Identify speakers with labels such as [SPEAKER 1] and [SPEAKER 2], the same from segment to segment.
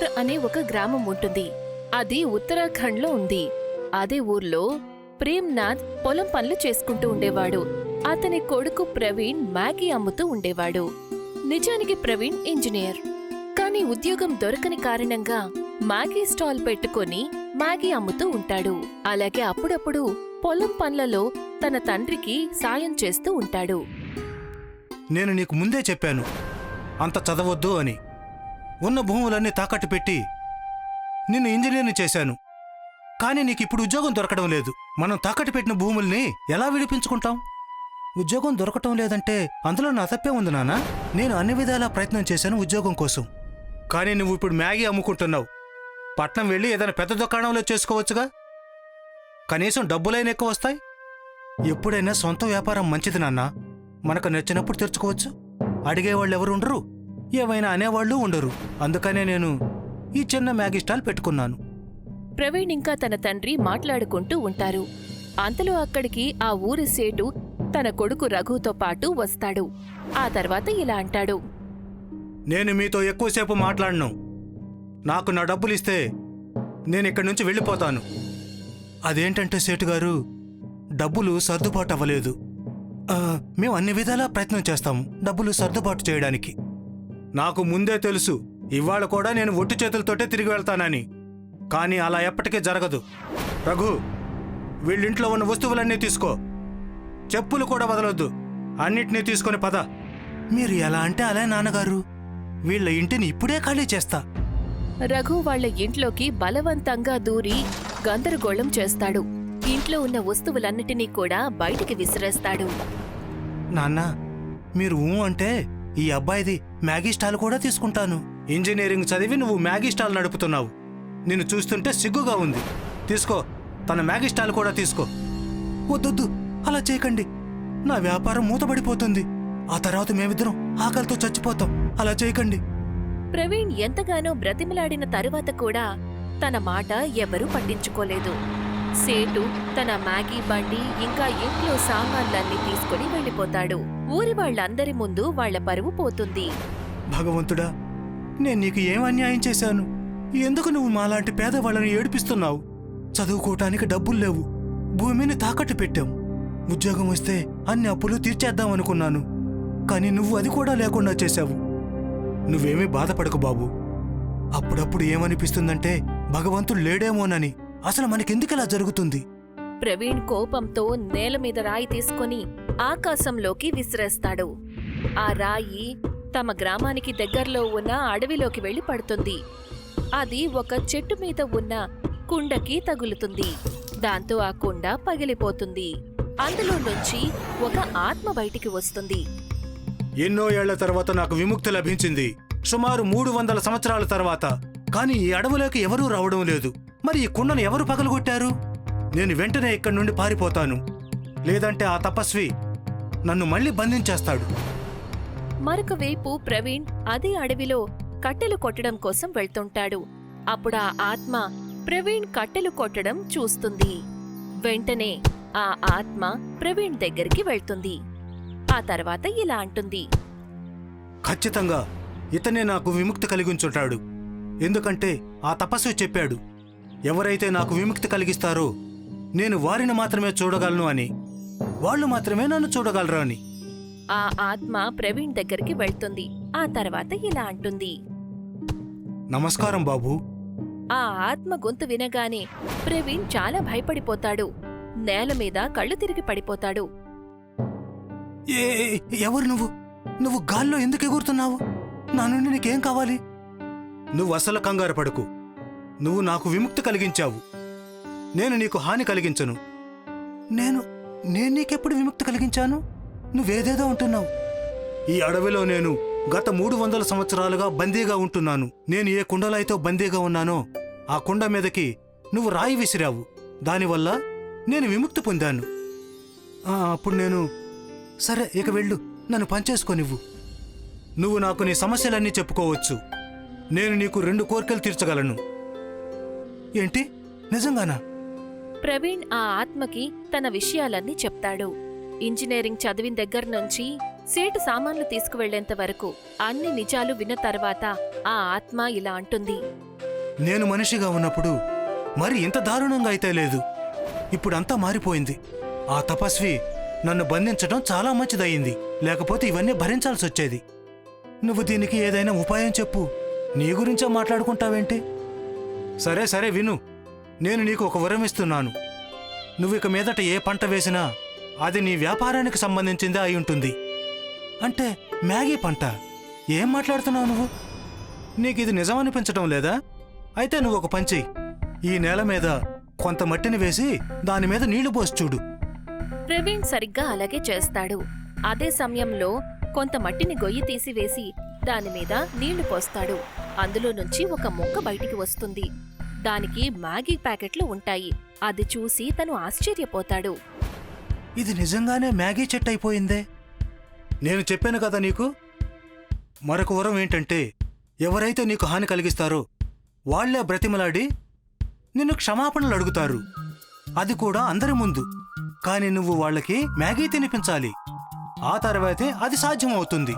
[SPEAKER 1] జబల్పూర్ అనే ఒక గ్రామం ఉంటుంది. అది ఉత్తరాఖండ్లో ఉంది. అదే ఊర్లో ప్రేమ్నాథ్ పొలం పనులు చేసుకుంటూ ఉండేవాడు. అతని కొడుకు ప్రవీణ్ మ్యాగీ అమ్ముతూ ఉండేవాడు. నిజానికి ప్రవీణ్ ఇంజనీర్, కానీ ఉద్యోగం దొరకని కారణంగా మ్యాగీ స్టాల్ పెట్టుకుని మ్యాగీ అమ్ముతూ ఉంటాడు. అలాగే అప్పుడప్పుడు పొలం పనులలో తన తండ్రికి సాయం చేస్తూ ఉంటాడు.
[SPEAKER 2] నేను నీకు ముందే చెప్పాను అంత చదవొద్దు అని. ఉన్న భూములన్నీ తాకట్టు పెట్టి నిన్ను ఇంజనీర్ని చేశాను. కానీ నీకిప్పుడు ఉద్యోగం దొరకడం లేదు. మనం తాకట్టు పెట్టిన భూముల్ని ఎలా విడిపించుకుంటాం? ఉద్యోగం దొరకటం లేదంటే అందులో నా తప్పే ఉంది నాన్న. నేను అన్ని విధాలా ప్రయత్నం చేశాను ఉద్యోగం కోసం. కానీ నువ్వు ఇప్పుడు మ్యాగీ అమ్ముకుంటున్నావు. పట్నం వెళ్ళి ఏదైనా పెద్ద దుకాణంలో చేసుకోవచ్చుగా. కనీసం డబ్బులైనా ఎక్కువ వస్తాయి. ఎప్పుడైనా సొంత వ్యాపారం మంచిది నాన్న. మనకు నచ్చినప్పుడు తెరుచుకోవచ్చు. అడిగేవాళ్ళు ఎవరు ఉండరు, ఏమైనా అనేవాళ్ళు ఉండరు. అందుకనే నేను ఈ చిన్న మ్యాగీ స్టాల్ పెట్టుకున్నాను.
[SPEAKER 1] ప్రవీణ్ ఇంకా తన తండ్రి మాట్లాడుకుంటూ ఉంటారు. అంతలో అక్కడికి ఆ ఊరి సేటు తన కొడుకు రఘుతో పాటు వస్తాడు. ఆ తర్వాత ఇలా అంటాడు.
[SPEAKER 2] నేను మీతో ఎక్కువసేపు మాట్లాడను. నాకు నా డబ్బులిస్తే నేనిక్కడి నుంచి వెళ్ళిపోతాను. అదేంటంటే సేటుగారు, డబ్బులు సర్దుబాటు అవ్వలేదు. మేము అన్ని విధాలా ప్రయత్నం చేస్తాము డబ్బులు సర్దుబాటు చేయడానికి. నాకు ముందే తెలుసు ఇవాళ కూడా నేను ఒట్టి చేతులతోటే తిరిగి వెళ్తానని. కానీ అలా ఎప్పటికీ జరగదు. రఘు, వీళ్ళింట్లో ఉన్న వస్తువులన్నీ తీసుకో. చెప్పులు కూడా వదలొద్దు. అన్నిటినీ తీసుకొని పద. మీరు ఎలా అంటే అలా నాన్నగారు. వీళ్ళ ఇంటిని ఇప్పుడే ఖాళీ చేస్తా.
[SPEAKER 1] రఘు వాళ్ల ఇంట్లోకి బలవంతంగా దూరి గందరగోళం చేస్తాడు. ఇంట్లో ఉన్న వస్తువులన్నిటినీ కూడా బయటికి విసిరేస్తాడు.
[SPEAKER 2] నాన్న, మీరు అంటే ఈ అబ్బాయిది మ్యాగీ స్టాల్ కూడా తీసుకుంటాను. ఇంజనీరింగ్ చదివి నువ్వు మ్యాగీ స్టాల్ నడుపుతున్నావు. నిన్ను చూస్తుంటే సిగ్గుగా ఉంది. తీసుకో, తన మ్యాగీ స్టాల్ కూడా తీసుకో. వద్దొద్దు, అలా చేయకండి. నా వ్యాపారం మూతపడిపోతుంది. ఆ తర్వాత మేమిద్దరం ఆకలితో చచ్చిపోతాం. అలా చేయకండి.
[SPEAKER 1] ప్రవీణ్ ఎంతగానో బ్రతిమలాడిన తరువాత కూడా తన మాట ఎవరూ పట్టించుకోలేదు. సేటు తన మ్యాగీ బండి ఇంకా ఇంట్లో సామాన్లన్నీ తీసుకుని వెళ్ళిపోతాడు. ఊరి వాళ్ళందరి ముందు వాళ్ల పరువు పోతుంది.
[SPEAKER 2] భగవంతుడా, నేను నీకు ఏం అన్యాయం చేశాను? ఎందుకు నువ్వు మాలాంటి పేదవాళ్ళని ఏడిపిస్తున్నావు? చదువుకోవటానికి డబ్బులు లేవు. భూమిని తాకట్టు పెట్టాం. ఉద్యోగం వస్తే అన్ని అప్పులు తీర్చేద్దామనుకున్నాను. కానీ నువ్వు అది కూడా లేకుండా చేశావు. నువ్వేమీ బాధపడకు బాబు. అప్పుడప్పుడు ఏమనిపిస్తుందంటే భగవంతుడు లేడేమోనని. అసలు మనకెందుకలా జరుగుతుంది?
[SPEAKER 1] ప్రవీణ్ కోపంతో నేల మీద రాయి తీసుకుని ఆకాశంలోకి విసిరేస్తాడు. ఆ రాయి తమ గ్రామానికి దగ్గరలో ఉన్న అడవిలోకి వెళ్లి పడుతుంది. అది ఒక చెట్టు మీద ఉన్న కుండకి తగులుతుంది. దాంతో ఆ కుండ పగిలిపోతుంది. అందులో నుంచి ఒక ఆత్మ బయటికి వస్తుంది.
[SPEAKER 2] ఎన్నో ఏళ్ల తర్వాత నాకు విముక్తి లభించింది. సుమారు 300 సంవత్సరాల తర్వాత. కానీ ఈ అడవులోకి ఎవరూ రావడం లేదు. మరి ఈ కుండను ఎవరు పగలగొట్టారు? నేను వెంటనే ఇక్కడి నుండి పారిపోతాను. లేదంటే ఆ తపస్వి నన్ను మళ్ళీ బంధించేస్తాడు.
[SPEAKER 1] మరొక వైపు ప్రవీణ్ అదే అడవిలో కట్టెలు కొట్టడం కోసం వెళ్తుంటాడు. అప్పుడు ఆ ఆత్మ ప్రవీణ్ కట్టెలు కొట్టడం చూస్తుంది. వెంటనే ఆ ఆత్మ ప్రవీణ్ దగ్గరికి వెళ్తుంది. ఆ తర్వాత ఇలా అంటుంది.
[SPEAKER 2] ఖచ్చితంగా ఇతనే నాకు విముక్తి కలిగించుంటాడు. ఎందుకంటే ఆ తపస్వి చెప్పాడు, ఎవరైతే నాకు విముక్తి కలిగిస్తారో నేను వారిని మాత్రమే చూడగలను అని. వాళ్ళు మాత్రమే నన్ను చూడగలరు అని.
[SPEAKER 1] ఆ ఆత్మ ప్రవీణ్ దగ్గరికి వెళ్తుంది. ఆ తర్వాత ఇలా అంటుంది.
[SPEAKER 2] నమస్కారం బాబు.
[SPEAKER 1] ఆ ఆత్మ గొంతు వినగానే ప్రవీణ్ చాలా భయపడిపోతాడు. నేల మీద కళ్ళు తిరిగి పడిపోతాడు.
[SPEAKER 2] ఎవరు నువ్వు? నువ్వు గాల్లో ఎందుకు ఎగురుతున్నావు? నా నుండి నీకేం కావాలి? నువ్వు అసలు కంగారు పడకు. నువ్వు నాకు విముక్తి కలిగించావు. నేను నీకు హాని కలిగించను. నేను నీకెప్పుడు విముక్తి కలిగించాను? నువ్వేదేదో ఉంటున్నావు. ఈ అడవిలో నేను గత 300 సంవత్సరాలుగా బందీగా ఉంటున్నాను. నేను ఏ కుండలో అయితే బందీగా ఉన్నానో ఆ కుండ మీదకి నువ్వు రాయి విసిరావు. దానివల్ల నేను విముక్తి పొందాను. అప్పుడు నేను, సరే ఇక వెళ్ళు, నన్ను పనిచేసుకోనివ్వు. నువ్వు నాకు నీ సమస్యలన్నీ చెప్పుకోవచ్చు. నేను నీకు 2 కోరికలు తీర్చగలను. ఏంటి? నిజంగానా?
[SPEAKER 1] ప్రవీణ్ ఆ ఆత్మకి తన విషయాలన్నీ చెప్తాడు. ఇంజనీరింగ్ చదివిన దగ్గర నుంచి సేటు సామాన్లు తీసుకువెళ్లేంత వరకు అన్ని నిజాలు విన్న తర్వాత ఆ ఆత్మ ఇలా అంటుంది.
[SPEAKER 2] నేను మనిషిగా ఉన్నప్పుడు మరి ఇంత దారుణంగా అయితే లేదు. ఇప్పుడంతా మారిపోయింది. ఆ తపస్వి నన్ను బంధించడం చాలా మంచిదయ్యింది, లేకపోతే ఇవన్నీ భరించాల్సి వచ్చేది. నువ్వు దీనికి ఏదైనా ఉపాయం చెప్పు. నీ గురించే మాట్లాడుకుంటావేంటి? సరే సరే విను, నేను నీకు ఒక వరం ఇస్తున్నాను. నువ్వు ఇక మీదట ఏ పంట వేసినా అది నీ వ్యాపారానికి సంబంధించిందే అయి ఉంటుంది. అంటే మ్యాగీ పంట? ఏం మాట్లాడుతున్నావు నువ్వు? నీకు ఇది నిజమనిపించటం లేదా? అయితే నువ్వు ఒక పని చెయ్యి. ఈ నేల మీద కొంత మట్టిని వేసి దాని మీద నీళ్లు పోసి చూడు.
[SPEAKER 1] ప్రవీణ్ సరిగ్గా అలాగే చేస్తాడు. అదే సమయంలో కొంత మట్టిని గొయ్యి తీసివేసి దానిమీద నీళ్లు పోస్తాడు. అందులో నుంచి ఒక మొక్క బయటికి వస్తుంది. దానికి మ్యాగీ ప్యాకెట్లు ఉంటాయి. అది చూసి తను ఆశ్చర్యపోతాడు.
[SPEAKER 2] ఇది నిజంగానే మ్యాగీ చెట్టు అయిపోయిందే. నేను చెప్పాను కదా నీకు. మరొక వరం ఏంటంటే, ఎవరైతే నీకు హాని కలిగిస్తారో వాళ్లే బ్రతిమలాడి నిన్ను క్షమాపణలు అడుగుతారు. అది కూడా అందరి ముందు. కాని నువ్వు వాళ్ళకి మ్యాగీ తినిపించాలి. ఆ తర్వాతే అది సాధ్యమవుతుంది.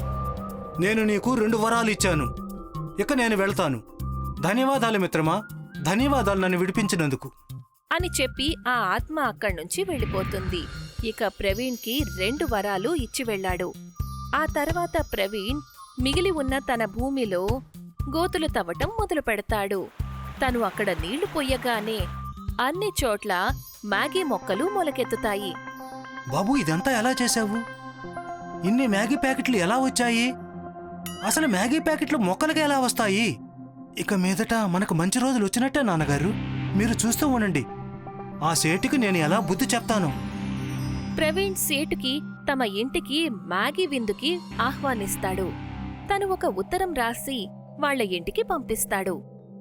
[SPEAKER 2] నేను నీకు 2 వరాలు ఇచ్చాను. ఇక నేను వెళ్తాను. ధన్యవాదాలు మిత్రమా, ధన్యవాదాలు నన్ను విడిపించినందుకు
[SPEAKER 1] అని చెప్పి ఆ ఆత్మ అక్కడ్నుంచి వెళ్ళిపోతుంది. ఇక ప్రవీణ్కి 2 వరాలు ఇచ్చి వెళ్ళాడు. ఆ తర్వాత ప్రవీణ్ మిగిలి ఉన్న తన భూమిలో గోతులు తవ్వటం మొదలు పెడతాడు. తను అక్కడ నీళ్లు పొయ్యగానే అన్ని చోట్ల మ్యాగీ మొక్కలు మొలకెత్తుతాయి.
[SPEAKER 2] బాబూ, ఇదంతా ఎలా చేశావు? ఇన్ని మ్యాగీ ప్యాకెట్లు ఎలా వచ్చాయి? అసలు మ్యాగీ ప్యాకెట్లు మొక్కలకి ఎలా వస్తాయి? ఇక మీదట మనకు మంచి రోజులు వచ్చినట్టే నాన్నగారు. మీరు చూస్తూ ఉండండి. ఆ సేటుకి నేను ఎలా బుద్ధి చెప్తాను.
[SPEAKER 1] ప్రవీణ్ సేటుకి తమ ఇంటికి మ్యాగీ విందుకి ఆహ్వానిస్తాడు. తను ఒక ఉత్తరం రాసి వాళ్ళ ఇంటికి పంపిస్తాడు.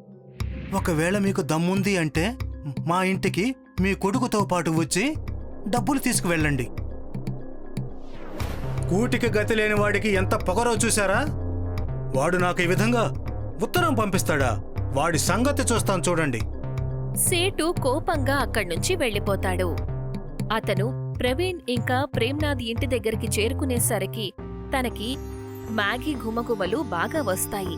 [SPEAKER 2] ఒకవేళ మీకు దమ్ముంది అంటే మా ఇంటికి మీ కొడుకుతో పాటు వచ్చి డబ్బులు తీసుకువెళ్ళండి. కూటికి గతి లేని వాడికి ఎంత పొగరో చూశారా? వాడు నాకు ఈ విధంగా ఉత్తరం పంపిస్తాడా? వాడి సంగతి చూస్తాను చూడండి.
[SPEAKER 1] సేటు కోపంగా అక్కడ్నుంచి వెళ్ళిపోతాడు. అతను ప్రవీణ్ ఇంకా ప్రేమ్నాథ్ ఇంటి దగ్గరికి చేరుకునేసరికి తనకి మ్యాగీ గుమగుమలు బాగా వస్తాయి.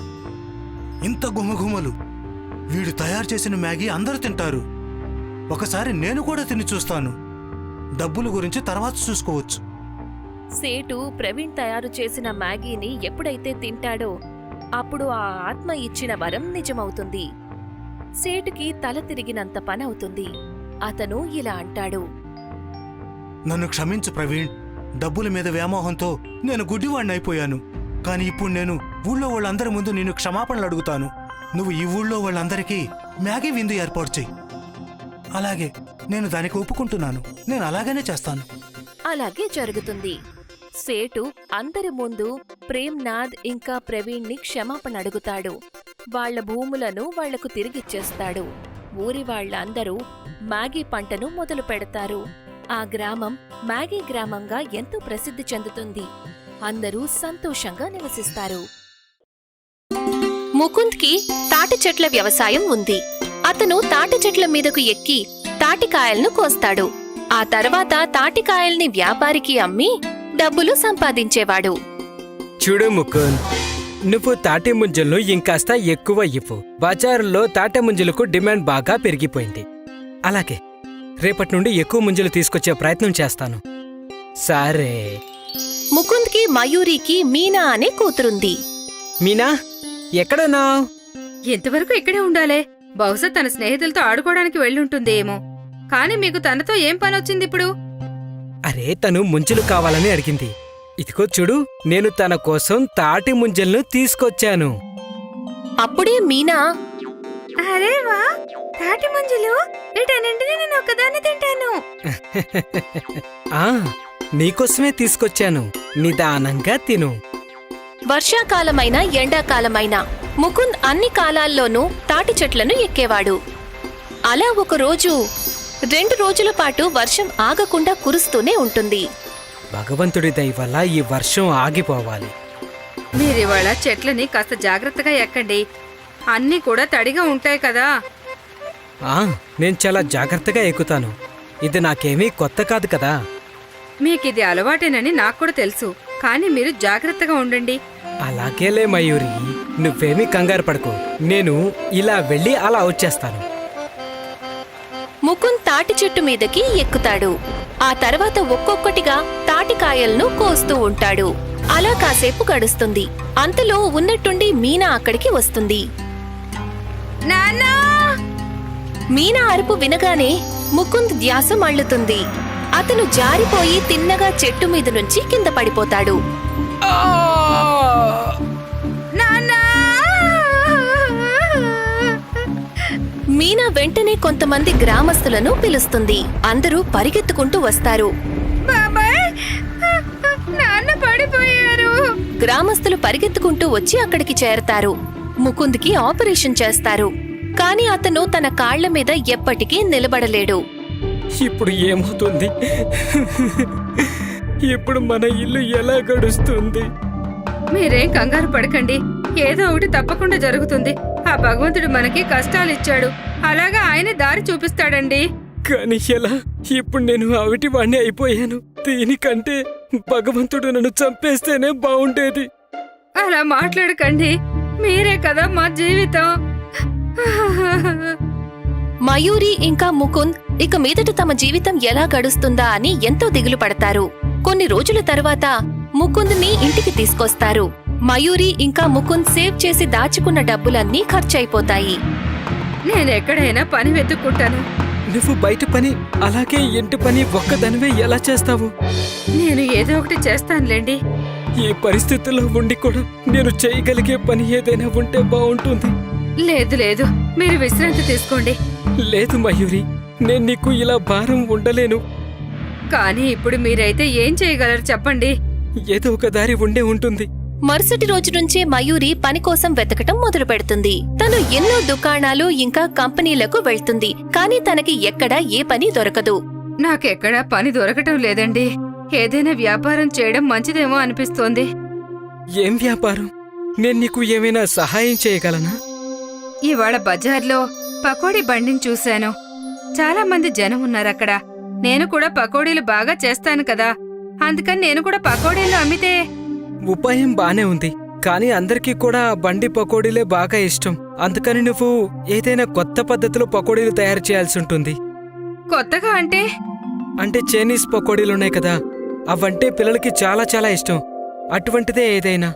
[SPEAKER 2] ఇంత గుమగుమలు! వీడు తయారు చేసిన మ్యాగీ అందరూ తింటారు. ఒకసారి నేను కూడా తిని చూస్తాను. డబ్బుల గురించి తర్వాత చూసుకోవచ్చు.
[SPEAKER 1] సేటు ప్రవీణ్ తయారు చేసిన మ్యాగీని ఎప్పుడైతే తింటాడో అప్పుడు ఆ ఆత్మ ఇచ్చిన వరం నిజమవుతుంది. సేటుకి తల తిరిగినంత పనవుతుంది. అతను ఇలా అంటాడు.
[SPEAKER 2] నన్ను క్షమించు ప్రవీణ్. డబ్బుల మీద వ్యామోహంతో నేను గుడ్డివాణ్ణైపోయాను. కాని ఇప్పుడు నేను ఊళ్ళో వాళ్ళందరి ముందు నిన్ను క్షమాపణలు అడుగుతాను. నువ్వు ఈ ఊళ్ళో వాళ్ళందరికీ మ్యాగీ విందు ఏర్పాటు చెయ్యి. అలాగే నేను దానికి ఒప్పుకుంటున్నాను. నేను అలాగనే చేస్తాను.
[SPEAKER 1] అలాగే జరుగుతుంది. సేటు అందరి ముందు ప్రేమ్నాథ్ ఇంకా ప్రవీణ్ని క్షమాపణ అడుగుతాడు. వాళ్ల భూములను వాళ్లకు తిరిగిచ్చేస్తాడు. ఊరి వాళ్ళందరూ మ్యాగీ పంటను మొదలు పెడతారు. ఆ గ్రామం మ్యాగీ గ్రామంగా ఎంతో ప్రసిద్ధి చెందుతుంది. అందరూ సంతోషంగా నివసిస్తారు. ముకుంద్కి తాటి చెట్ల వ్యవసాయం ఉంది. అతను తాటి చెట్ల మీదకు ఎక్కి తాటికాయలను కోస్తాడు. ఆ తర్వాత తాటికాయల్ని వ్యాపారికి అమ్మి డబ్బులు సంపాదించేవాడు.
[SPEAKER 3] చూడు ముకుంద్, నువ్వు తాటి ముంజలను ఇంకాస్త ఎక్కువ ఇవ్వు. బజారులో తాటి ముంజలకు డిమాండ్ బాగా పెరిగిపోయింది. అలాగే రేపటి నుండి ఎక్కువ ముంజలు తీసుకొచ్చే ప్రయత్నం చేస్తాను. సరే.
[SPEAKER 1] ముకుంద్కి మయూరికి మీనా అనే కూతురుంది.
[SPEAKER 3] మీనా, ఎక్కడున్నావ్?
[SPEAKER 4] ఎంతవరకు ఇక్కడే ఉండాలే. బహుశా తన స్నేహితులతో ఆడుకోవడానికి వెళ్ళుంటుందేమో. కాని మీకు తనతో ఏం పనొచ్చింది ఇప్పుడు?
[SPEAKER 3] అరే, తను ముంజలు కావాలని అడిగింది. ఇదిగో చూడు, నేను తన కోసం తాటి ముంజలను తీసుకొచ్చాను.
[SPEAKER 1] అప్పుడే మీనా,
[SPEAKER 4] అరే వా, తాటి ముంజలు! వీటన్నింటినీ నేను ఒక్కదాన్ని తింటాను.
[SPEAKER 3] ఆ, నీకోసమే తీసుకొచ్చాను. నిదానంగా తిను.
[SPEAKER 1] వర్షాకాలమైనా ఎండాకాలమైనా ముకుంద్ అన్ని కాలాల్లోనూ తాటి చెట్లను ఎక్కేవాడు. అలా ఒకరోజు 2 రోజుల పాటు వర్షం ఆగకుండా కురుస్తూనే ఉంటుంది.
[SPEAKER 3] భగవంతుడి దయ వల్ల ఈ వర్షం ఆగిపోవాలి.
[SPEAKER 4] మీరివాళ చెట్లని కాస్త జాగ్రత్తగా ఎక్కండి. అన్నీ కూడా తడిగా ఉంటాయి కదా.
[SPEAKER 3] నేను చాలా జాగ్రత్తగా ఎక్కుతాను. ఇది నాకేమీ కొత్త కాదు కదా.
[SPEAKER 4] మీకిది అలవాటేనని నాకు కూడా తెలుసు. కానీ మీరు జాగ్రత్తగా ఉండండి.
[SPEAKER 3] అలాగేలే మయూరి. నువ్వేమీ కంగారు పడకు. నేను ఇలా వెళ్ళి అలా వచ్చేస్తాను.
[SPEAKER 1] ముకుంద్ తాటి చెట్టు మీదకి ఎక్కుతాడు. ఆ తర్వాత ఒక్కొక్కటిగా తాటికాయలను కోస్తూ ఉంటాడు. అలా కాసేపు గడుస్తుంది. అంతలో ఉన్నట్టుండి మీనా అక్కడికి వస్తుంది.
[SPEAKER 4] నాన్నా!
[SPEAKER 1] మీనా అరుపు వినగానే ముకుంద్ ధ్యాస మళ్ళుతుంది. అతను జారిపోయి తిన్నగా చెట్టు మీద నుంచి కింద పడిపోతాడు.
[SPEAKER 4] నాన్నా!
[SPEAKER 1] మీనా వెంటనే కొంతమంది గ్రామస్తులను పిలుస్తుంది. అందరూ పరిగెత్తుకుంటూ వస్తారు.
[SPEAKER 4] బాబాయ్! నాన్న పడిపోయారు.
[SPEAKER 1] గ్రామస్తులు పరిగెత్తుకుంటూ వచ్చి అక్కడికి చేరతారు. ముకుంద్కి ఆపరేషన్ చేస్తారు. కాని అతను తన కాళ్ల మీద ఎప్పటికీ నిలబడలేడు.
[SPEAKER 3] ఇప్పుడు ఏమవుతుంది? ఇప్పుడు మన ఇల్లు ఎలా గడుస్తుంది?
[SPEAKER 4] మీరేం కంగారు పడకండి. ఏదో ఒకటి తప్పకుండా జరుగుతుంది. ఆ భగవంతుడు మనకి కష్టాలిచ్చాడు. అలాగా ఆయన దారి చూపిస్తాడండి.
[SPEAKER 3] కానీ ఎలా? ఇప్పుడు నేను అవిటి వాణ్ణి అయిపోయాను. దీనికంటే భగవంతుడు నన్ను చంపేస్తేనే బాగుండేది.
[SPEAKER 4] అలా మాట్లాడకండి. మీరే కదా మా జీవితం.
[SPEAKER 1] మయూరి ఇంకా ముకుంద్ ఇక మీదట తమ జీవితం ఎలా గడుస్తుందా అని ఎంతో దిగులు పడతారు. కొన్ని రోజుల తర్వాత ముకుంద్ని ఇంటికి తీసుకొస్తారు. మయూరి ఇంకా ముకుంద్ సేవ్ చేసి దాచుకున్న డబ్బులన్నీ ఖర్చయిపోతాయి.
[SPEAKER 4] నేనెక్కడైనా పని వెతుక్కుంటాను.
[SPEAKER 3] నువ్వు బయట పని అలాగే ఇంటి పని ఒక్కదానివే ఎలా చేస్తావు?
[SPEAKER 4] నేను ఏదో ఒకటి చేస్తానులేండి.
[SPEAKER 3] ఈ పరిస్థితుల్లో ఉండి కూడా నేను చేయగలిగే పని ఏదైనా ఉంటే బాగుంటుంది.
[SPEAKER 4] లేదు లేదు, మీరు విశ్రాంతి తీసుకోండి.
[SPEAKER 3] లేదు మయూరి, నేను నీకు ఇలా భారం ఉండలేను.
[SPEAKER 4] కానీ ఇప్పుడు మీరైతే ఏం చేయగలరు చెప్పండి.
[SPEAKER 3] ఏదో ఒక దారి ఉండే ఉంటుంది.
[SPEAKER 1] మరుసటి రోజు నుంచే మయూరి పని కోసం వెతకటం మొదలు పెడుతుంది. తను ఎన్నో దుకాణాలు ఇంకా కంపెనీలకు వెళ్తుంది. కానీ తనకి ఎక్కడా ఏ పని దొరకదు.
[SPEAKER 4] నాకెక్కడా పని దొరకటం లేదండి. ఏదైనా వ్యాపారం చేయడం మంచిదేమో అనిపిస్తోంది.
[SPEAKER 3] ఏం వ్యాపారం? నేను నీకు ఏమైనా సహాయం చేయగలనా?
[SPEAKER 4] ఇవాళ బజార్లో పకోడీ బండిని చూశాను. చాలా మంది జనం ఉన్నారక్కడ. నేను కూడా పకోడీలు బాగా చేస్తాను కదా, అందుకని నేను కూడా పకోడీలు అమ్మితే.
[SPEAKER 3] ఉపాయం బానే ఉంది, కానీ అందరికీ కూడా ఆ బండి పకోడీలే బాగా ఇష్టం. అందుకని నువ్వు ఏదైనా కొత్త పద్ధతిలో పకోడీలు తయారు చేయాల్సి ఉంటుంది.
[SPEAKER 4] కొత్తగా అంటే?
[SPEAKER 3] అంటే చైనీస్ పకోడీలున్నాయి కదా, అవంటే పిల్లలకి చాలా చాలా ఇష్టం. అటువంటిదే ఏదైనా.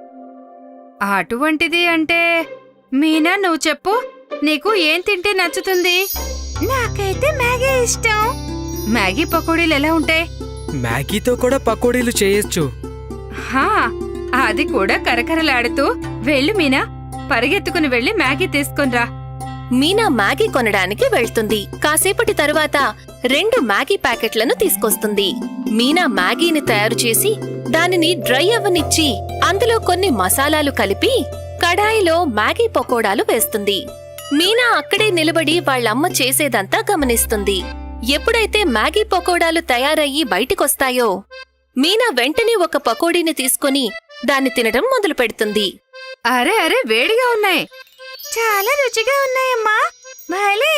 [SPEAKER 4] అటువంటిది అంటే మీనా, నువ్వు చెప్పు. నీకు ఏం తింటే నచ్చుతుంది? నాకైతే మ్యాగీ ఇష్టం. మ్యాగీ పకోడీలు ఎలా ఉంటాయి?
[SPEAKER 3] మ్యాగీతో కూడా పకోడీలు చేయొచ్చు.
[SPEAKER 4] హా, అది కూడా కరకరలాడుతూ. వెళ్ళు మీనా, పరిగెత్తుకుని వెళ్ళి మ్యాగీ తీసుకునిరా.
[SPEAKER 1] మీనా మ్యాగీ కొనడానికి వెళ్తుంది. కాసేపటి తరువాత 2 మ్యాగీ ప్యాకెట్లను తీసుకొస్తుంది. మీనా మ్యాగీని తయారు చేసి దానిని డ్రై అవ్వనిచ్చి అందులో కొన్ని మసాలాలు కలిపి కడాయిలో మ్యాగీ పకోడాలు వేస్తుంది. మీనా అక్కడే నిలబడి వాళ్ళమ్మ చేసేదంతా గమనిస్తుంది. ఎప్పుడైతే మ్యాగీ పకోడాలు తయారయ్యి బయటికొస్తాయో మీనా వెంటనే ఒక పకోడీని తీసుకుని దాన్ని తినడం మొదలు పెడుతుంది.
[SPEAKER 4] అరే అరే, వేడిగా ఉన్నాయి. చాలా రుచిగా ఉన్నాయమ్మా, భలే.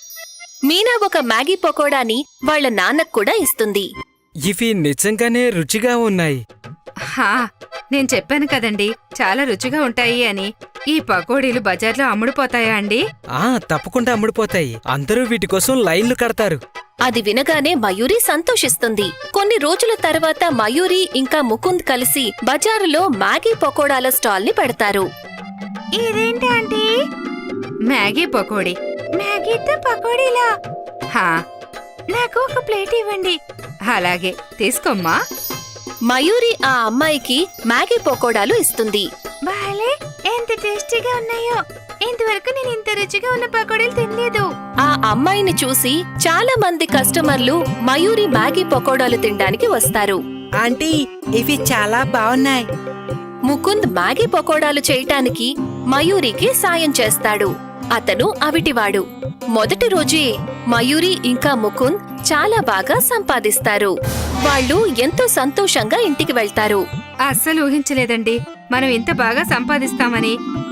[SPEAKER 1] మీనా ఒక మ్యాగీ పకోడాని వాళ్ళ నాన్నకు కూడా ఇస్తుంది.
[SPEAKER 3] ఇవి నిజంగానే రుచిగా ఉన్నాయి.
[SPEAKER 4] హా, నేను చెప్పాను కదండి, చాలా రుచిగా ఉంటాయి అని. ఈ పకోడీలు బజార్లో అమ్ముడుపోతాయా అండి?
[SPEAKER 3] తప్పకుండా అమ్ముడుపోతాయి. అందరూ వీటి కోసం లైన్లు కడతారు.
[SPEAKER 1] అది వినగానే మయూరి సంతోషిస్తుంది. కొన్ని రోజుల తర్వాత మయూరి ఇంకా ముకుంద్ కలిసి బజారులో మ్యాగీ పకోడాల స్టాల్ ని పెడతారు.
[SPEAKER 4] ఇదేంటి ఆంటీ? మ్యాగీ పకోడీ. మ్యాగీతో పకోడీలా? హా, నాకు ఒక ప్లేట్ ఇవ్వండి. అలాగే, తీసుకోమ్మా.
[SPEAKER 1] మయూరి ఆ అమ్మాయికి మ్యాగీ పకోడాలు ఇస్తుంది.
[SPEAKER 4] బాలే, ఎంత టేస్టీగా ఉన్నాయో. ఇంతవరకు నేను ఇంత రుచిగా ఉన్న పకోడీలు తినలేదు.
[SPEAKER 1] ఆ అమ్మాయిని చూసి చాలా మంది కస్టమర్లు మయూరి మ్యాగీ పకోడాలు తినడానికి వస్తారు.
[SPEAKER 5] ఆంటీ, ఇవి చాలా బాగున్నాయి.
[SPEAKER 1] ముకుంద్ మ్యాగీ పకోడాలు చేయటానికి మయూరికి సాయం చేస్తాడు. అతను అవిటివాడు. మొదటి రోజే మయూరి ఇంకా ముకుంద్ చాలా బాగా సంపాదిస్తారు. వాళ్ళు ఎంతో సంతోషంగా ఇంటికి వెళ్తారు.
[SPEAKER 4] అస్సలు ఊహించలేదండి మనం ఇంత బాగా సంపాదిస్తామని.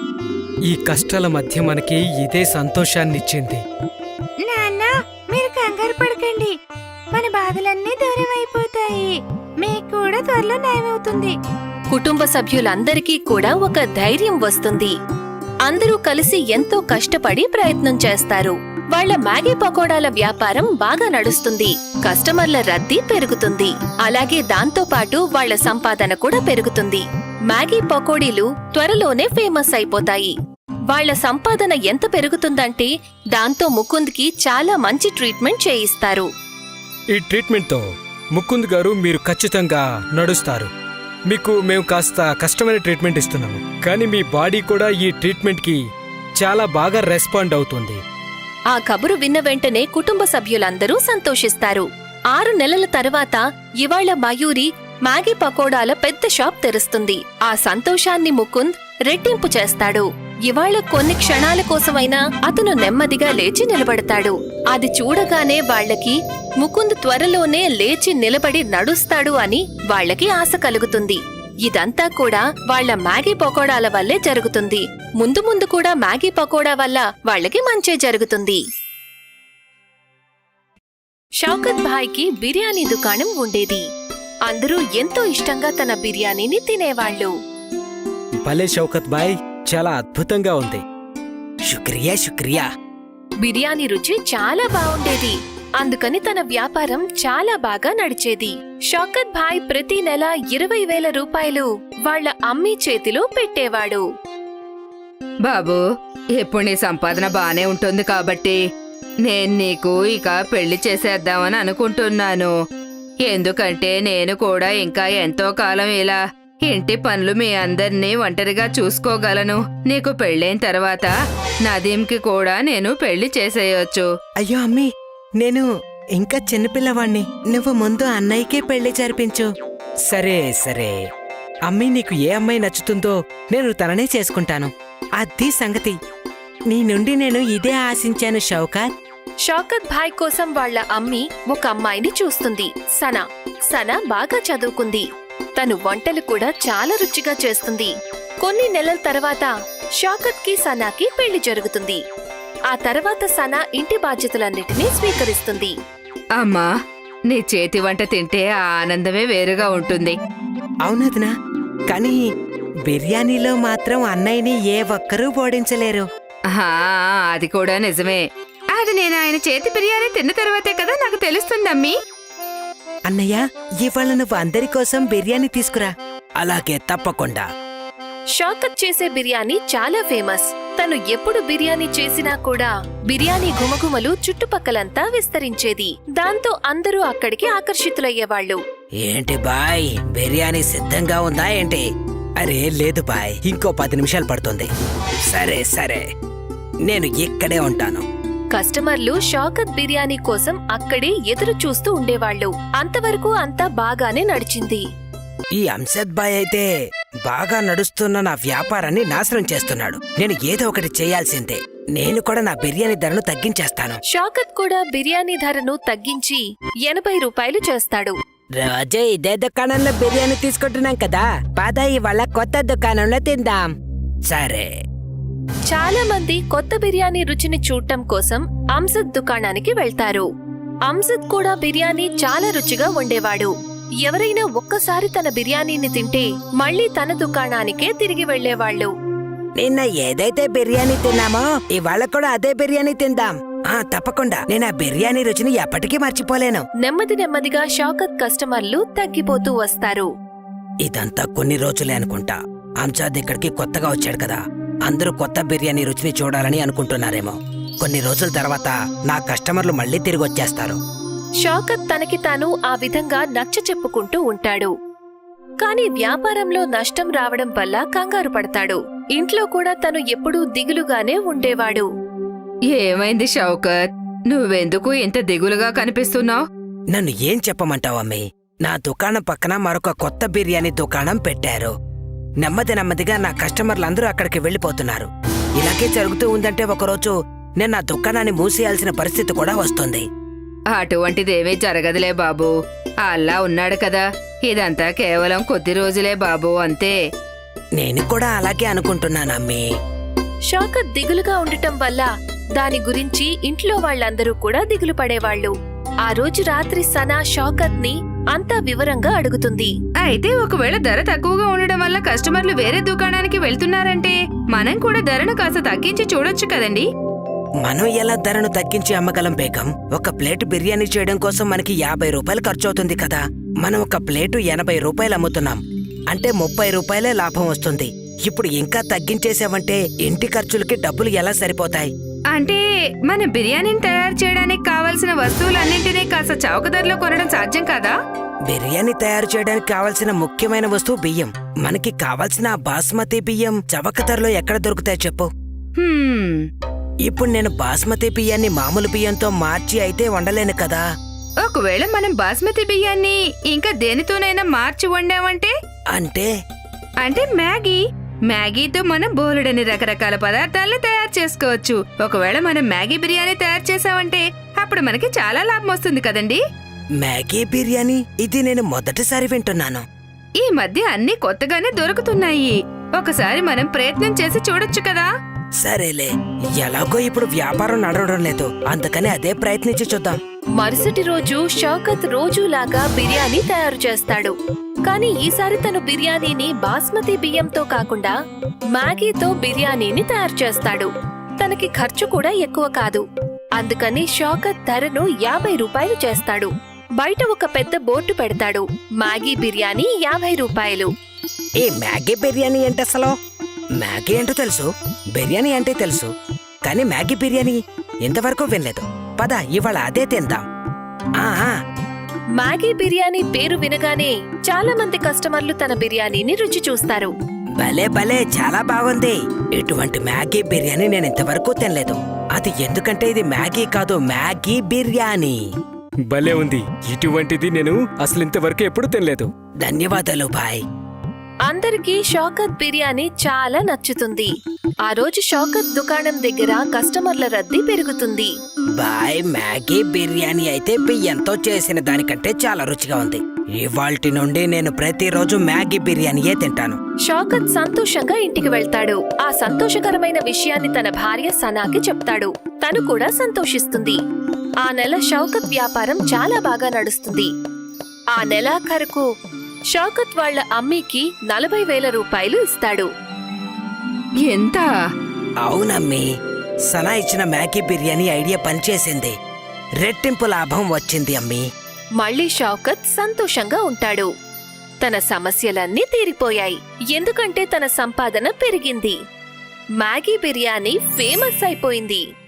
[SPEAKER 3] ఈ కష్టాల మధ్య మనకి ఇదే సంతోషాన్నిచ్చింది.
[SPEAKER 4] నాన్న, మీరు కంగారు పడకండి. మన బాధలన్నీ దూరం అయిపోతాయి. మీకు కూడా త్వరలో నయమవుతుంది.
[SPEAKER 1] కుటుంబ సభ్యులందరికీ కూడా ఒక ధైర్యం వస్తుంది. అందరూ కలిసి ఎంతో కష్టపడి ప్రయత్నం చేస్తారు. వాళ్ళ మ్యాగీ పకోడాల వ్యాపారం బాగా నడుస్తుంది. కస్టమర్ల రద్దీ పెరుగుతుంది. అలాగే దాంతో పాటు వాళ్ళ సంపాదన కూడా పెరుగుతుంది. మ్యాగీ పకోడీలు త్వరలోనే ఫేమస్ అయిపోతాయి. వాళ్ళ సంపాదన ఎంత పెరుగుతుందంటే దాంతో ముకుంద్కి చాలా మంచి ట్రీట్మెంట్ చేయిస్తారు.
[SPEAKER 3] ఈ ట్రీట్మెంట్తో ముకుంద్ గారు మీరు ఖచ్చితంగా నడుస్తారు. మీకు మేము కాస్త కష్టమైన ట్రీట్మెంట్ ఇస్తున్నాము, కానీ మీ బాడీ కూడా ఈ ట్రీట్మెంట్కి చాలా బాగా రెస్పాండ్ అవుతుంది.
[SPEAKER 1] ఆ కబురు విన్న వెంటనే కుటుంబ సభ్యులందరూ సంతోషిస్తారు. 6 నెలల తర్వాత ఇవాళ మయూరి మ్యాగీ పకోడాల పెద్ద షాప్ తెరుస్తుంది. ఆ సంతోషాన్ని ముకుంద్ రెట్టింపు చేస్తాడు. ఇవాళ కొన్ని క్షణాల కోసమైనా అతను నెమ్మదిగా లేచి నిలబడతాడు. అది చూడగానే వాళ్లకి ముకుంద్ త్వరలోనే లేచి నిలబడి నడుస్తాడు అని వాళ్లకి ఆశ కలుగుతుంది. ఇదంతా కూడా వాళ్ల మ్యాగీ పకోడాల వల్లే జరుగుతుంది. ముందు ముందు కూడా మ్యాగీ పకోడా వల్ల వాళ్లకి మంచే జరుగుతుంది. షౌకత్ భాయ్కి బిర్యానీ దుకాణం ఉండేది. అందరూ ఎంతో ఇష్టంగా తన బిర్యానీని తినేవాళ్లు.
[SPEAKER 3] భలే షౌకత్ బాయ్, చాలా అద్భుతంగా ఉంది.
[SPEAKER 5] శుక్రియా శుక్రియా.
[SPEAKER 1] బిర్యానీ రుచి చాలా బావుండేది. అందుకని తన వ్యాపారం చాలా బాగా నడిచేది. షౌకత్ భాయ్ ప్రతి నెల 20,000 రూపాయలు వాళ్ళ అమ్మీ చేతిలో పెట్టేవాడు.
[SPEAKER 4] బాబూ, ఇప్పుడు నీ సంపాదన బానే ఉంటుంది కాబట్టి నేను నీకు ఇక పెళ్లి చేసేద్దామని అనుకుంటున్నాను. ఎందుకంటే నేను కూడా ఇంకా ఎంతో కాలం ఇలా ఇంటి పనులు మీ అందర్నీ ఒంటరిగా చూసుకోగలను. నీకు పెళ్ళైన తర్వాత నదీంకి కూడా నేను పెళ్లి చేసేయొచ్చు.
[SPEAKER 5] అయ్యో అమ్మీ, నేను ఇంకా చిన్నపిల్లవాణ్ణి. నువ్వు ముందు అన్నయ్యకే పెళ్లి జరిపించు.
[SPEAKER 3] సరే సరే,
[SPEAKER 5] అమ్మీ, నీకు ఏ అమ్మాయి నచ్చుతుందో నేను తననే చేసుకుంటాను. అది సంగతి. నీ నుండి నేను ఇదే ఆశించాను షౌకత్.
[SPEAKER 1] షౌకత్ భాయ్ కోసం వాళ్ళ అమ్మి ఒక అమ్మాయిని చూస్తుంది. సనా. సనా బాగా చదువుకుంది. తను వంటలు కూడా చాలా రుచిగా చేస్తుంది. కొన్ని నెలల తర్వాత షౌకత్ కి సనాకి పెళ్లి జరుగుతుంది. ఆ తర్వాత సనా ఇంటి బాధ్యతలన్నిటినీ స్వీకరిస్తుంది.
[SPEAKER 4] అమ్మా, నీ చేతి వంట తింటే ఆ ఆనందమే వేరుగా ఉంటుంది.
[SPEAKER 5] అవునదినా, కానీ బిర్యానీలో మాత్రం అన్నయ్యని ఏ ఒక్కరూ ఓడించలేరు.
[SPEAKER 4] ఆహా, అది కూడా నిజమే. అది నేను ఆయన చేతి బిర్యానీ తిన్న తర్వాతే కదా నాకు తెలుస్తుందమ్మీ.
[SPEAKER 5] అన్నయ్య, ఇవాళ నువ్వు అందరి కోసం బిర్యానీ తీసుకురా.
[SPEAKER 3] అలాగే తప్పకుండా.
[SPEAKER 1] షౌకత్ చేసే బిర్యానీ చాలా ఫేమస్. తను ఎప్పుడు బిర్యానీ చేసినా కూడా బిర్యానీ గుమగుమలు చుట్టుపక్కలంతా విస్తరించేది. దాంతో అందరూ అక్కడికి ఆకర్షితులయ్యేవాళ్లు.
[SPEAKER 3] ఏంటి బాయ్, బిర్యానీ సిద్ధంగా ఉందా ఏంటి? అరే లేదు బాయ్, ఇంకో 10 నిమిషాలు పడుతుంది. సరే సరే, నేను ఇక్కడే ఉంటాను.
[SPEAKER 1] కస్టమర్లు షౌకత్ బిర్యానీ కోసం అక్కడే ఎదురు చూస్తూ ఉండేవాళ్లు. అంతవరకు అంతా బాగానే నడిచింది.
[SPEAKER 3] ఈ అంశద్ బాయ్ అయితే బాగా నడుస్తున్న నా వ్యాపారాన్ని నాశనం చేస్తున్నాడు. నేను ఏదో ఒకటి చేయాల్సిందే. నేను కూడా నా బిర్యానీ ధరను తగ్గించేస్తాను.
[SPEAKER 1] షౌకత్ కూడా బిర్యానీ ధరను తగ్గించి 80 రూపాయలు చేస్తాడు.
[SPEAKER 5] రోజు ఇదే దుకాణంలో బిర్యానీ తీసుకుంటున్నాం కదా, పద ఇవాళ కొత్త దుకాణంలో తిందాం.
[SPEAKER 3] సరే.
[SPEAKER 1] చాలా మంది కొత్త బిర్యానీ రుచిని చూడటం కోసం అంజద్ దుకాణానికి వెళ్తారు. అంజద్ కూడా బిర్యానీ చాలా రుచిగా వండేవాడు. ఎవరైనా ఒక్కసారి తన బిర్యానీని తింటే మళ్ళీ తన దుకాణానికే తిరిగి వెళ్లేవాళ్లు.
[SPEAKER 5] నిన్న ఏదైతే బిర్యానీ తిన్నామో ఇవాళ కూడా అదే బిర్యానీ తిందాం. తప్పకుండా. నేను ఆ బిర్యానీ రుచిని ఎప్పటికీ మర్చిపోలేను.
[SPEAKER 1] నెమ్మది నెమ్మదిగా షౌకత్ కస్టమర్లు తగ్గిపోతూ వస్తారు.
[SPEAKER 3] ఇదంతా కొన్ని రోజులే అనుకుంటా. అంజద్ ఇక్కడికి కొత్తగా వచ్చాడు కదా, అందరూ కొత్త బిర్యానీ రుచిని చూడాలని అనుకుంటున్నారేమో. కొన్ని రోజుల తర్వాత నా కస్టమర్లు మళ్ళీ తిరిగి వచ్చేస్తారు.
[SPEAKER 1] షౌకత్ తనకి తాను ఆ విధంగా నచ్చ చెప్పుకుంటూ ఉంటాడు. కాని వ్యాపారంలో నష్టం రావడం వల్ల కంగారు పడతాడు. ఇంట్లో కూడా తను ఎప్పుడూ దిగులుగానే ఉండేవాడు.
[SPEAKER 4] ఏమైంది షౌకత్? నువ్వెందుకు ఇంత దిగులుగా కనిపిస్తున్నావు?
[SPEAKER 3] నన్ను ఏం చెప్పమంటావు అమ్మి? నా దుకాణం పక్కన మరొక కొత్త బిర్యానీ దుకాణం పెట్టారు. నెమ్మది నెమ్మదిగా నా కస్టమర్లందరూ అక్కడికి వెళ్లిపోతున్నారు. ఇలాగే జరుగుతూ ఉందంటే ఒకరోజు నేను నా దుకాణాన్ని మూసేయాల్సిన పరిస్థితి కూడా వస్తుంది.
[SPEAKER 4] అటువంటిదేమీ జరగదులే బాబూ. అల్లా ఉన్నాడు కదా. ఇదంతా కేవలం కొద్ది రోజులే బాబూ, అంతే.
[SPEAKER 3] నేను కూడా అలాగే అనుకుంటున్నానమ్మీ.
[SPEAKER 1] షౌకత్ దిగులుగా ఉండటం వల్ల దాని గురించి ఇంట్లో వాళ్ళందరూ కూడా దిగులు పడేవాళ్లు. ఆ రోజు రాత్రి సనా షౌకత్ ని అంతా వివరంగా అడుగుతుంది.
[SPEAKER 4] అయితే ఒకవేళ ధర తక్కువగా ఉండడం వల్ల కస్టమర్లు వేరే దుకాణానికి వెళ్తున్నారంటే మనం కూడా ధరను కాస్త తగ్గించి చూడొచ్చు కదండి.
[SPEAKER 5] మనం ఎలా ధరను తగ్గించి అమ్మగలం బేగం? ఒక ప్లేట్ బిర్యానీ చేయడం కోసం మనకి 50 రూపాయలు ఖర్చు అవుతుంది కదా. మనం ఒక ప్లేటు 80 రూపాయలు అమ్ముతున్నాం అంటే 30 రూపాయలే లాభం వస్తుంది. ఇప్పుడు ఇంకా తగ్గించేసావంటే ఇంటి ఖర్చులకి డబ్బులు ఎలా సరిపోతాయి?
[SPEAKER 4] అంటే మన బిర్యానీని తయారు చేయడానికి కావలసిన వస్తువులన్నింటినీ కాస్త చౌక ధరలో కొనడం సాధ్యం కాదా?
[SPEAKER 5] బిర్యానీ తయారు చేయడానికి కావాల్సిన ముఖ్యమైన వస్తువు బియ్యం. మనకి కావాల్సిన ఆ బాస్మతి బియ్యం చవక ధరలో ఎక్కడ దొరుకుతాయి చెప్పు?
[SPEAKER 4] హ్మ్,
[SPEAKER 5] ఇప్పుడు నేను బాస్మతి బియ్యాన్ని మామూలు బియ్యంతో మార్చి అయితే వండలేను కదా.
[SPEAKER 4] ఒకవేళ మనం బాస్మతి బియ్యాన్ని ఇంకా దేనితోనైనా మార్చి వండామంటే?
[SPEAKER 5] అంటే
[SPEAKER 4] అంటే మ్యాగీతో మనం బోలెడని రకరకాల పదార్థాలను తయారు చేసుకోవచ్చు. ఒకవేళ మనం మ్యాగీ బిర్యానీ తయారు చేసామంటే అప్పుడు మనకి చాలా లాభం వస్తుంది కదండి.
[SPEAKER 5] మ్యాగీ బిర్యానీ ఇది నేను మొదటిసారి వింటున్నాను.
[SPEAKER 4] ఈ మధ్య అన్ని కొత్తగానే దొరుకుతున్నాయి. ఒకసారి మనం ప్రయత్నం చేసి చూడొచ్చు కదా.
[SPEAKER 5] సరేలే, ఎలాగో ఇప్పుడు వ్యాపారం నడవడం లేదు, అందుకని అదే ప్రయత్నించి చూద్దాం.
[SPEAKER 1] మరుసటి రోజు షౌకత్ రోజులాగా బిర్యానీ తయారు చేస్తాడు. కానీ ఈసారి తను బిర్యానీని బాస్మతి బియ్యంతో కాకుండా మ్యాగీతో బిర్యానీని తయారు చేస్తాడు. తనకి ఖర్చు కూడా ఎక్కువ కాదు. అందుకని షౌకత్ ధరను 50 రూపాయలు చేస్తాడు. బయట ఒక పెద్ద బోర్డు పెడతాడు. మ్యాగీ బిర్యానీ 50 రూపాయలు.
[SPEAKER 5] ఈ మ్యాగీ బిర్యానీ ఏంటి అసలు? మ్యాగీ ఏంటో తెలుసు, బిర్యానీ అంటే తెలుసు, కానీ మ్యాగీ బిర్యానీ ఇంతవరకు వినలేదు. పద ఇవాళ అదే తిందాం. ఆ
[SPEAKER 1] మ్యాగీ బిర్యానీ పేరు వినగానే చాలా మంది కస్టమర్లు తన బిర్యానీని రుచి చూస్తారు.
[SPEAKER 5] భలే భలే, చాలా బాగుంది. ఇటువంటి మ్యాగీ బిర్యానీ నేను ఇంతవరకు తినలేదు. అది ఎందుకంటే ఇది మ్యాగీ కాదు, మ్యాగీ బిర్యానీ.
[SPEAKER 3] భలే ఉంది. ఇటువంటిది నేను అసలు ఇంతవరకు ఎప్పుడు తినలేదు.
[SPEAKER 5] ధన్యవాదాలు బాయ్.
[SPEAKER 1] అందరికీ షౌకత్ బిర్యానీ చాలా నచ్చుతుంది. ఆ రోజు షౌకత్ దుకాణం దగ్గర కస్టమర్ల రద్దీ పెరుగుతుంది.
[SPEAKER 5] బాయ్, మ్యాగీ బిర్యానీ అయితే బియ్యంతో చేసిన దానికంటే చాలా రుచిగా ఉంది. ఇవాల్టి నుండి నేను ప్రతిరోజు మ్యాగీ బిర్యానీయే తింటాను.
[SPEAKER 1] షౌకత్ సంతోషంగా ఇంటికి వెళ్తాడు. ఆ సంతోషకరమైన విషయాన్ని తన భార్య సనాకి చెప్తాడు. తను కూడా సంతోషిస్తుంది. ఆ నెల షౌకత్ వ్యాపారం చాలా బాగా నడుస్తుంది. ఆ నెలాఖరుకు షౌకత్ వాళ్ళ అమ్మీకి 40,000 రూపాయలు ఇస్తాడు.
[SPEAKER 4] ఎంత?
[SPEAKER 5] అవునమ్మీ, సనా ఇచ్చిన మ్యాగీ బిర్యానీ ఐడియా పనిచేసింది. రెట్టింపు లాభం వచ్చింది అమ్మీ.
[SPEAKER 1] మళ్ళీ షౌకత్ సంతోషంగా ఉంటాడు. తన సమస్యలన్నీ తీరిపోయాయి. ఎందుకంటే తన సంపాదన పెరిగింది. మ్యాగీ బిర్యానీ ఫేమస్ అయిపోయింది.